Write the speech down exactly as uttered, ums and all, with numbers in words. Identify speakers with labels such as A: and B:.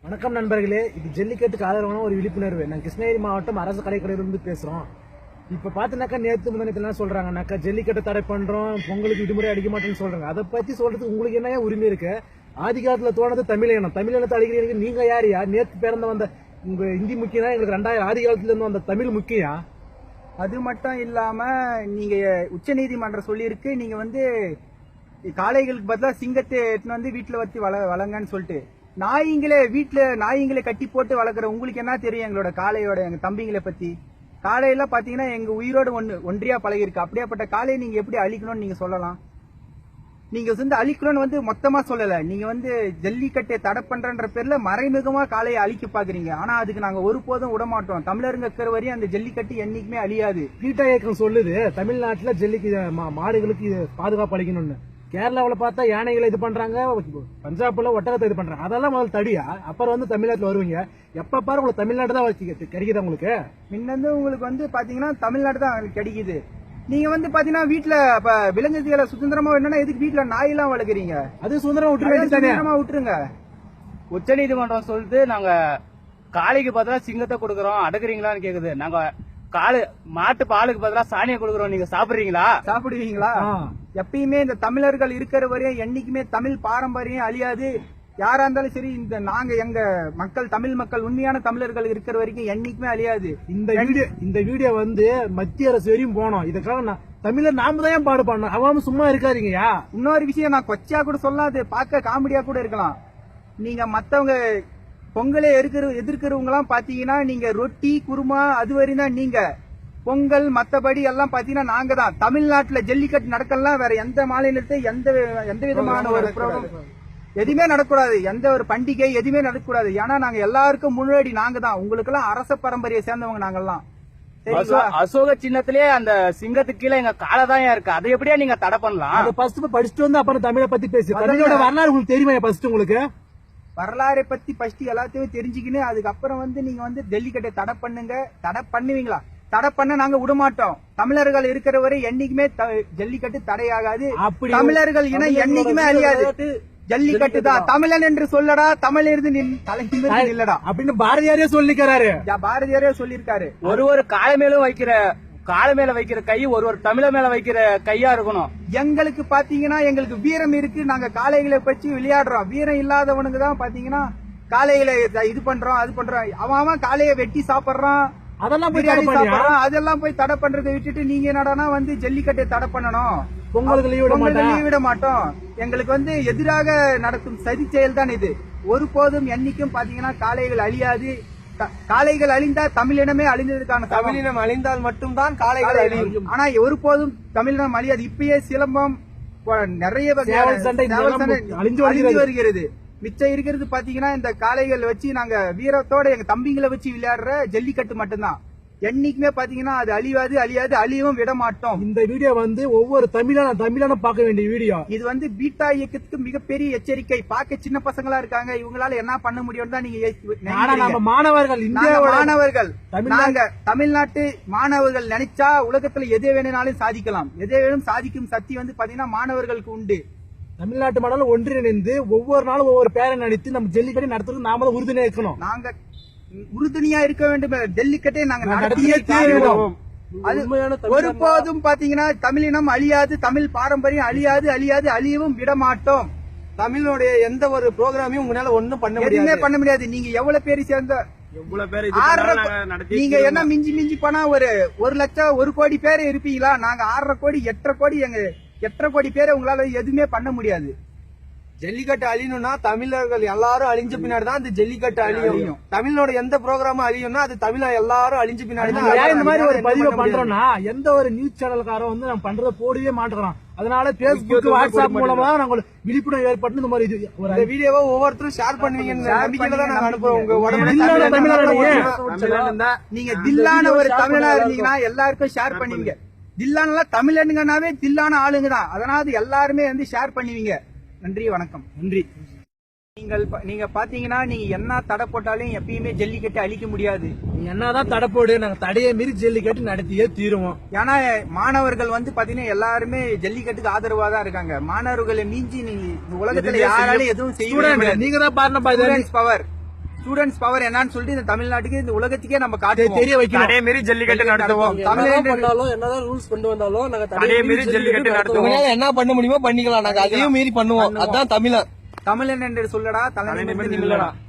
A: வணக்கம் நண்பர்களே, இது ஜல்லிக்கட்டுக்கு ஆதரவான ஒரு விழிப்புணர்வு. நான் கிருஷ்ணகிரி மாவட்டம் அரசு கலைக்கடையிலிருந்து பேசுறோம். இப்ப பாத்தீங்கன்னாக்கா நேற்று முன்னாடி என்ன சொல்றாங்கன்னாக்கா ஜல்லிக்கட்டை தடை பண்றோம், பொங்கலுக்கு விடுமுறை அடிக்க மாட்டேன்னு சொல்றாங்க. அதை பத்தி சொல்றதுக்கு உங்களுக்கு என்ன உரிமை இருக்கு? ஆதி காலத்துல தோணது தமிழ் இனம், தமிழ் இனத்தை அழிக்கிறீங்க. நீங்க யாரியா? நேற்று பிறந்த வந்த உங்க ஹிந்தி முக்கியம், எங்களுக்கு ரெண்டாயிரம் ஆதி காலத்துல இருந்து வந்த தமிழ் முக்கியம்.
B: அது மட்டும் இல்லாம நீங்க உச்ச நீதிமன்றம் சொல்லியிருக்கு, நீங்க வந்து காளைகளுக்கு பதிலா சிங்கத்தை எடுத்துன்னு வந்து வீட்டுல வச்சு வள வளங்கன்னு சொல்லிட்டு, நாய்ங்களே வீட்டுல நாய்ங்களே கட்டி போட்டு வளர்க்குற உங்களுக்கு என்ன தெரியும் எங்களோட காளையோட எங்க தம்பிங்களை பத்தி? காளையெல்லாம் பாத்தீங்கன்னா எங்க உயிரோட ஒண்ணு ஒன்றியா பழகிருக்கு. அப்படியாப்பட்ட காளையை நீங்க எப்படி அழிக்கணும்னு நீங்க சொல்லலாம்? நீங்க வந்து அழிக்கணும்னு வந்து மொத்தமா சொல்லல, நீங்க வந்து ஜல்லிக்கட்டை தடை பண்றன்ற பேர்ல மறைமுகமா காளையை அழிக்க பாக்குறீங்க. ஆனா அதுக்கு நாங்க ஒருபோதும் விட மாட்டோம். தமிழருங்க இருக்கிற வரையும் அந்த ஜல்லிக்கட்டு என்னைக்குமே அழியாது.
A: பீட்டா இயக்கம் சொல்லுது தமிழ்நாட்டுல ஜல்லிக்கு மாடுகளுக்கு பாதுகாப்பு அளிக்கணும்னு. கேரளாவில் பார்த்தா யானைகளை இது பண்றாங்க, பஞ்சாப்ல ஒட்டகத்தை இது பண்றாங்க. அதெல்லாம் முதல்ல தடியா, அப்புறம் வந்து தமிழ்நாட்டுல வருவீங்க. எப்ப பாரு உங்களுக்கு தமிழ்நாடு தான் கிடைக்குது. உங்களுக்கு
B: முன்னந்து உங்களுக்கு வந்து பாத்தீங்கன்னா தமிழ்நாடு தான் கிடைக்குது. நீங்க வந்து பாத்தீங்கன்னா வீட்டுல விலங்குகளை சுதந்திரமா என்னன்னா எதுக்கு வீட்டுல நாய் எல்லாம் வளர்க்குறீங்க? அது சுதந்திரமா விட்டுருங்க, சுதந்திரமா விட்டுருங்க.
C: உச்ச நீதிமன்றம் சொல்லிட்டு நாங்க காளைக்கு பதிலா சிங்கத்தை கொடுக்கறோம், அடக்குறீங்களான்னு கேக்குது. நாங்க காலு மாட்டு பாலுக்கு பதிலா சாணியை கொடுக்கறோம், நீங்க சாப்பிடுறீங்களா?
B: சாப்பிடுவீங்களா? எப்பயுமே இந்த தமிழர்கள் இருக்கிற வரையும் என்னைக்குமே தமிழ் பாரம்பரியம் அழியாது. யாரா இருந்தாலும் சரி, இந்த நாங்க எங்க மக்கள் தமிழ் மக்கள் உண்மையான தமிழர்கள் இருக்கிற வரைக்கும் என்னைக்குமே அழியாது.
A: இந்த வீடியோ இந்த வீடியோ வந்து மத்திய அரசு வரையும் போனோம். இதுக்காக தமிழர் நாம தான் பாடு பண்ணோம். அவன் சும்மா இருக்காருங்கயா.
B: இன்னொரு விஷயம் நான் கொச்சையா கூட சொல்லாது, பார்க்க காமெடியா கூட இருக்கலாம். நீங்க மத்தவங்க பொங்கலை எதிர்க்கிற எதிர்க்கிறவங்க எல்லாம் பாத்தீங்கன்னா நீங்க ரொட்டி குருமா அது வரையும் தான் நீங்க பொங்கல், மத்தபடி எல்லாம் பாத்தீங்கன்னா நாங்க தான். தமிழ்நாட்டுல ஜல்லிக்கட்டு நடக்கலாம், வேற எந்த மாநிலத்தை எந்த எந்த விதமான ஒரு எதுவுமே நடக்கூடாது, எந்த ஒரு பண்டிகை எதுவுமே நடக்கூடாது. ஏன்னா நாங்க எல்லாருக்கும் முன்னாடி நாங்க தான். உங்களுக்கு எல்லாம் அரச பரம்பரையை சேர்ந்தவங்க நாங்கெல்லாம்.
C: அசோக சின்னத்திலேயே அந்த சிங்கத்துக்கு கீழே எங்க காலை தான் இருக்கு. அதை எப்படியா நீங்க தடை பண்ணலாம்?
A: அதை ஃபர்ஸ்ட் படிச்சுட்டு வந்து அப்புறம் தமிழை பத்தி பேசி. தமிழோட வரலாறு உங்களுக்கு தெரியுமா? ஃபர்ஸ்ட் உங்களுக்கு
B: வரலாறை பத்தி ஃபர்ஸ்ட் எல்லாத்தையும் தெரிஞ்சுக்கின்னு அதுக்கப்புறம் வந்து நீங்க வந்து ஜல்லிக்கட்டை தடை பண்ணுங்க. தடை பண்ணுவீங்களா? தடை பண்ண நாங்க விடமாட்டோம். தமிழர்கள் இருக்கிற வரை என்னைக்குமே ஜல்லிக்கட்டு தடையாகாது. தமிழர்கள் இன என்னைக்குமே அழியாது. ஜல்லிக்கட்டு தான் தமிழன் என்று சொல்லடா, தமிழ் இருந்து தலைநிமிர்ந்து இல்லடா
A: அப்படின்னு பாரதியாரே சொல்லிக்கிறாரு.
B: பாரதியாரே சொல்லியிருக்காரு.
C: ஒரு ஒரு கால மேலும் வைக்கிற கால மேல வைக்கிற கை ஒரு ஒரு தமிழ மேல வைக்கிற கையா இருக்கணும்.
B: எங்களுக்கு பாத்தீங்கன்னா எங்களுக்கு வீரம் இருக்கு. நாங்க காளைகளை பற்றி விளையாடுறோம். வீரம் இல்லாதவனுக்கு தான் பாத்தீங்கன்னா காளைகளை இது பண்றோம் அது பண்றோம். அவன் அவன் காளையை வெட்டி சாப்பிடுறான்,
A: அதெல்லாம்
B: பிரியாணி சாப்பிடுறான். அதெல்லாம் போய் தடை பண்றதை விட்டுட்டு நீங்க என்னடானா வந்து ஜல்லிக்கட்டை தடை பண்ணணும்,
A: பொங்கலுக்கு லீவ்
B: விட மாட்டோம். எங்களுக்கு வந்து எதிராக நடக்கும் சதி செயல் தான் இது. ஒருபோதும் என்னைக்கும் பாத்தீங்கன்னா காளைகள் அழியாது. காளைகள் அழிந்தா தமிழினமே அழிந்ததுக்கான
A: தமிழினம் அழிந்தால் மட்டும்தான் காளைகள் அழியும்.
B: ஆனா ஒருபோதும் தமிழினம் அழியாது. இப்பயே சிலம்பம் நிறைய அழிஞ்சு வருகிறது. மிச்சம் இருக்கிறது பாத்தீங்கன்னா இந்த காளைகள் வச்சு நாங்க வீரத்தோட எங்க தம்பிங்களை வச்சு விளையாடுற ஜல்லிக்கட்டு மட்டும்தான். என்னைக்குமே பாத்தீங்கன்னா அது அழியாது அழியாது அழியவும் விட மாட்டோம்.
A: இந்த வீடியோ வந்து ஒவ்வொரு தமிழான தமிழான பார்க்க வேண்டிய வீடியோ.
B: இது வந்து பீட்டா இயக்கத்துக்கு மிகப்பெரிய எச்சரிக்கை. பார்க்க சின்ன பசங்களா இருக்காங்க, இவங்களால என்ன பண்ண முடியும் தான் நீங்க
A: மாணவர்கள்
B: மாணவர்கள் நாங்க தமிழ்நாட்டு மாணவர்கள் நினைச்சா உலகத்துல எதை வேணும்னாலும் சாதிக்கலாம். எதை வேணும் சாதிக்கும் சக்தி வந்து பாத்தீங்கன்னா மாணவர்களுக்கு உண்டு.
A: தமிழ்நாட்டு மாணவர்கள் ஒன்றிணைந்து ஒவ்வொரு நாளும் ஒவ்வொரு பேரை நடித்து நம்ம ஜல்லிக்கட்டு நடத்துறது நாம தான் உறுதுணையா இருக்கணும்.
B: நாங்க உறுதுணையா இருக்க வேண்டும். ஜல்லிக்கட்டை நாங்க நடத்தியே தீருவோம். அது ஒருபோதும் பாத்தீங்கன்னா தமிழினம் அழியாது, தமிழ் பாரம்பரியம் அழியாது அழியாது அழியவும் விட மாட்டோம்.
A: தமிழனுடைய எந்த ஒரு ப்ரோக்ராமையும் உங்களால ஒண்ணும் பண்ண முடியாது
B: பண்ண முடியாது. நீங்க எவ்வளவு பேர் சேர்ந்த நீங்க என்ன மிஞ்சி மிஞ்சி போனா ஒரு ஒரு லட்சம் ஒரு கோடி பேர் இருப்பீங்களா? நாங்க ஆறரை கோடி எட்டரை கோடி எங்க எட்டரை கோடி பேரை உங்களால எதுவுமே பண்ண முடியாது.
A: ஜல்லிக்கட்டு அழியணும்னா தமிழர்கள் எல்லாரும் அழிஞ்ச பின்னாடி தான் அந்த ஜல்லிக்கட்டு அழியும். தமிழோட எந்த ப்ரோக்ராமும் அழியும்னா அது தமிழ எல்லாரும் அழிஞ்ச பின்னாடி தான். இந்த மாதிரி ஒரு பதிவை பண்றோம்னா எந்த ஒரு நியூஸ் சேனல்காரன் வந்து நம்ம பண்றத போடவே மாட்டோம். அதனால பேஸ்புக் வாட்ஸ்அப் மூலமா நாங்க விழிப்புணர்வு ஏற்பட்டு இந்த மாதிரி இந்த வீடியோவை ஒவ்வொருத்தரும் ஷேர் பண்ணுவீங்கன்னு நம்பிக்கையில தான் நாங்க அனுப்புறோம். உங்க
B: நீங்க தில்லான ஒரு தமிழனா இருந்தீங்கன்னா எல்லாருக்கும் ஷேர் பண்ணுவீங்க. தில்லான தமிழனுங்கனாவே தில்லான ஆளுங்க தான். அதனால எல்லாருமே வந்து ஷேர் பண்ணுவீங்க. நன்றி, வணக்கம்.
A: நன்றி.
B: நீங்கள் நீங்க பாத்தீங்கன்னா நீங்க என்ன தடை போட்டாலும் எப்பயுமே ஜல்லிக்கட்டு அழிக்க முடியாது.
A: நீங்க என்னதான் தடை போடு, நாங்க தடையை மீறி ஜல்லிக்கட்டு நடத்தியே தீருவோம்.
B: ஏன்னா மாணவர்கள் வந்து பாத்தீங்கன்னா எல்லாருமே ஜல்லிக்கட்டுக்கு ஆதரவா தான் இருக்காங்க. மாணவர்களை மீஞ்சி நீங்க உலகத்துல யாராலும் எதுவும் செய்ய
A: நீங்க தான் பாருங்க.
B: பவர் ஸ்டூடெண்ட்ஸ் பவர் என்னன்னு சொல்லிட்டு இந்த தமிழ்நாட்டுக்கு இந்த உலகத்துக்கே நம்ம காட்டுவோம்.
A: தெரிய வைக்கணும்.
D: அதே மாதிரி ஜல்லிக்கட்டு நடத்துவோம்.
B: தமிழ்நாடு
E: பண்ணாலும் என்னதான் ரூல்ஸ் கொண்டு வந்தாலும் நாங்க
D: அதே மாதிரி ஜல்லிக்கட்டு நடத்துவோம்.
A: உங்களால என்ன பண்ண முடியுமோ பண்ணிக்கலாம். நாங்க அதையும் மீறி பண்ணுவோம். அதான் தமிழன்.
B: தமிழன் என்று சொல்லடா, தலைமை நிமிர்ந்து நில்லடா.